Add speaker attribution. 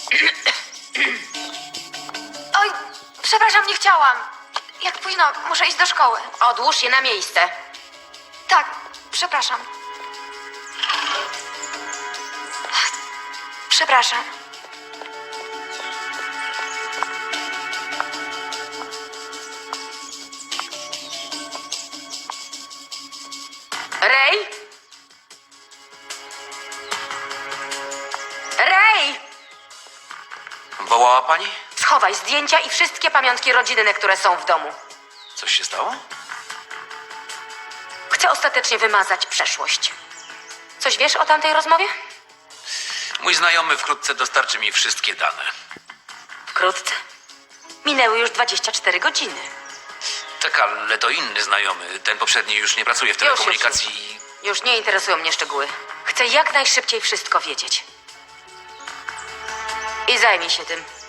Speaker 1: Oj, przepraszam, nie chciałam. Jak późno, muszę iść do szkoły.
Speaker 2: Odłóż je na miejsce.
Speaker 1: Tak, przepraszam. Przepraszam.
Speaker 2: Rej? Rej!
Speaker 3: Wołała pani?
Speaker 2: Schowaj zdjęcia i wszystkie pamiątki rodzinne, które są w domu.
Speaker 3: Coś się stało?
Speaker 2: Chcę ostatecznie wymazać przeszłość. Coś wiesz o tamtej rozmowie?
Speaker 3: Mój znajomy wkrótce dostarczy mi wszystkie dane.
Speaker 2: Wkrótce. Minęły już 24 godziny.
Speaker 3: Tak, ale to inny znajomy. Ten poprzedni już nie pracuje w telekomunikacji.
Speaker 2: Już nie interesują mnie szczegóły. Chcę jak najszybciej wszystko wiedzieć. I zajmij się tym.